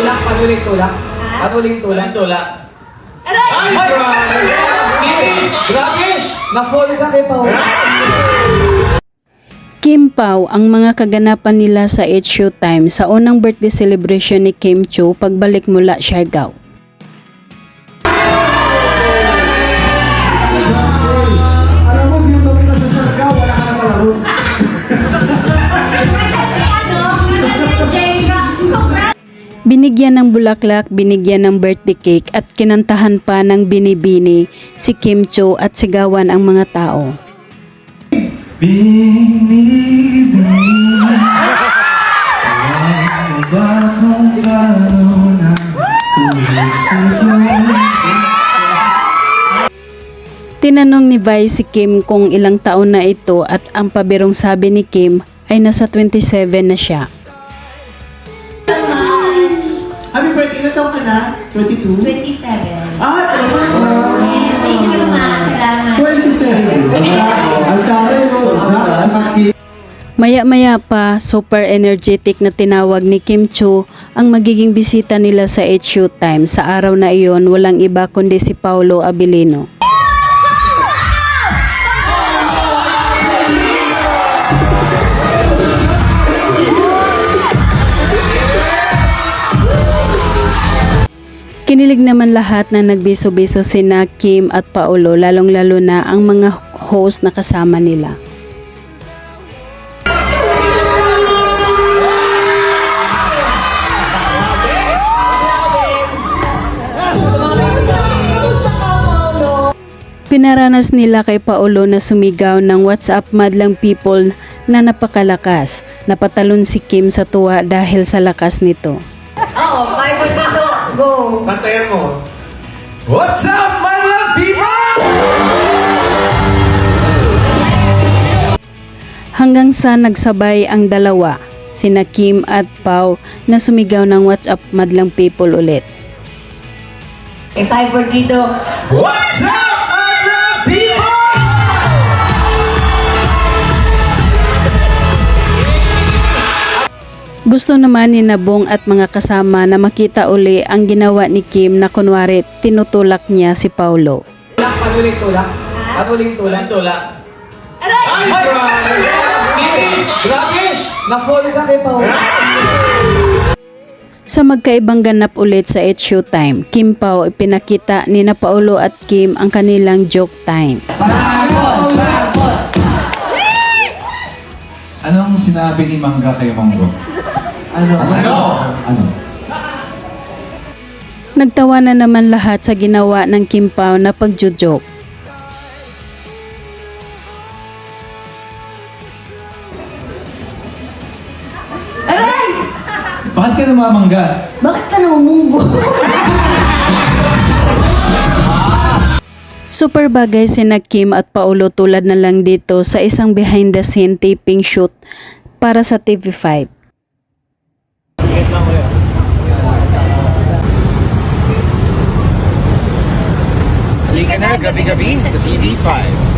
Panuling tulak? Panuling tulak? Tulak. Ay! Grabe! Na-fall ka kay Pao. Kim Pao ang mga kaganapan nila sa Showtime sa unang birthday celebration ni Kim Chiu pagbalik mula Siargao. Alam mo, yung topic na sa Siargao, wala ka na malaro. Binigyan ng bulaklak, binigyan ng birthday cake at kinantahan pa ng binibini si Kim Chiu at sigawan ang mga tao. Tinanong ni Vi si Kim kung ilang taon na ito at ang pabirong sabi ni Kim ay nasa 27 na siya. Happy birthday, ilan taon ka na? 22? 27. Ah, talaga? Yes, thank you, ma. Salamat. 27. Ang taray mo, Zach. Maya-maya pa, super energetic na tinawag ni Kim Chiu ang magiging bisita nila sa Showtime. Sa araw na iyon, walang iba kundi si Paolo Abilino. Kinilig naman lahat na nagbiso-biso sina Kim at Paolo, lalong-lalo na ang mga host na kasama nila. Pinaranas nila kay Paolo na sumigaw ng WhatsApp madlang people na napakalakas. Napatalon si Kim sa tuwa dahil sa lakas nito. Oo, 5 or dito. Go. Pantayan mo. What's up, my love people? Hanggang sa nagsabay ang dalawa, sina Kim at Pao, na sumigaw ng WhatsApp madlang people ulit. Okay, 5 or dito. What's up, my love people? Gusto naman ni Nabong at mga kasama na makita uli ang ginawa ni Kim na kunwari tinutulak niya si Paolo. Panuling tulak? Panuling tulak? Tulak. Ay! Grabe! Na-fall ka kay Pao. Sa magkaibang ganap ulit sa Showtime, Kim Pao ipinakita ni na Paolo at Kim ang kanilang joke time. Anong sinabi ni Mangga kay Monggo? Ano? Nagtawa na naman lahat sa ginawa ng Kim Pao na pagjo-joke. Aray! Bakit ka namamangga? Bakit ka namumunggo? Super bagay sina Kim at Paolo tulad na lang dito sa isang behind the scene taping shoot para sa TV5. Halika na, gabi-gabi sa TV5.